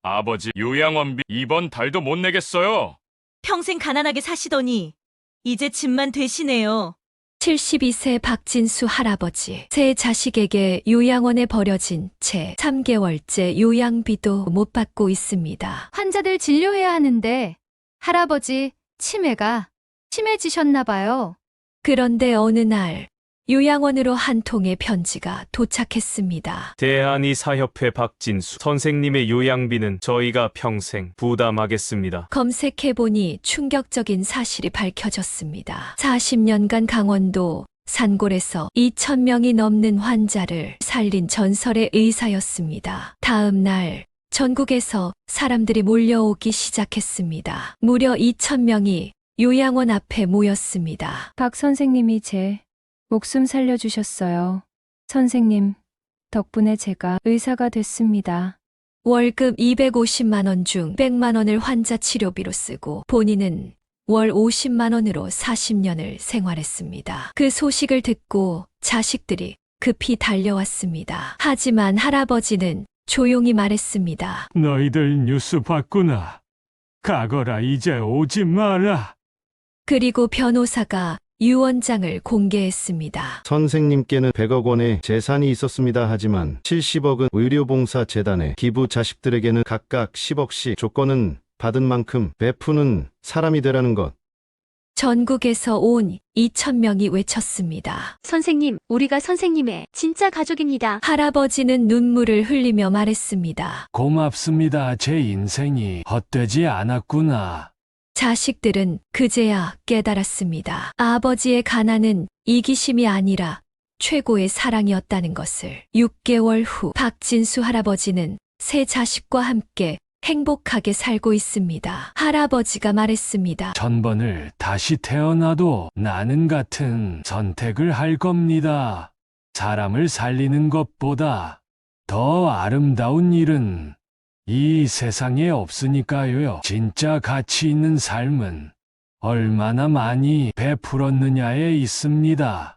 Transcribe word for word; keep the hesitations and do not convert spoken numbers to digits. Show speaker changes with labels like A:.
A: 아버지 요양원비 이번 달도 못 내겠어요.
B: 평생 가난하게 사시더니 이제 집만 되시네요.
C: 칠십이 세 박진수 할아버지. 세 자식에게 요양원에 버려진 채 삼 개월째 요양비도 못 받고 있습니다.
D: 환자들 진료해야 하는데 할아버지 치매가 심해지셨나 봐요.
C: 그런데 어느 날 요양원으로 한 통의 편지가 도착했습니다.
E: 대한의사협회 박진수 선생님의 요양비는 저희가 평생 부담하겠습니다.
C: 검색해보니 충격적인 사실이 밝혀졌습니다. 사십 년간 강원도 산골에서 이천 명이 넘는 환자를 살린 전설의 의사였습니다. 다음 날 전국에서 사람들이 몰려오기 시작했습니다. 무려 이천 명이 요양원 앞에 모였습니다.
D: 박 선생님이 제 목숨 살려주셨어요. 선생님, 덕분에 제가 의사가 됐습니다.
C: 월급 이백오십만 원 중 백만 원을 환자 치료비로 쓰고 본인은 월 오십만 원으로 사십 년을 생활했습니다. 그 소식을 듣고 자식들이 급히 달려왔습니다. 하지만 할아버지는 조용히 말했습니다.
F: 너희들 뉴스 봤구나. 가거라, 이제 오지 마라.
C: 그리고 변호사가 유언장을 공개했습니다.
G: 선생님께는 백억 원의 재산이 있었습니다. 하지만 칠십억은 의료봉사재단에 기부, 자식들에게는 각각 십억씩, 조건은 받은 만큼 베푸는 사람이 되라는 것.
C: 전국에서 온 이천 명이 외쳤습니다.
H: 선생님, 우리가 선생님의 진짜 가족입니다.
C: 할아버지는 눈물을 흘리며 말했습니다.
F: 고맙습니다. 제 인생이 헛되지 않았구나.
C: 자식들은 그제야 깨달았습니다. 아버지의 가난은 이기심이 아니라 최고의 사랑이었다는 것을. 육 개월 후 박진수 할아버지는 세 자식과 함께 행복하게 살고 있습니다. 할아버지가 말했습니다.
F: 천번을 다시 태어나도 나는 같은 선택을 할 겁니다. 사람을 살리는 것보다 더 아름다운 일은 이 세상에 없으니까요. 진짜 가치 있는 삶은 얼마나 많이 베풀었느냐에 있습니다.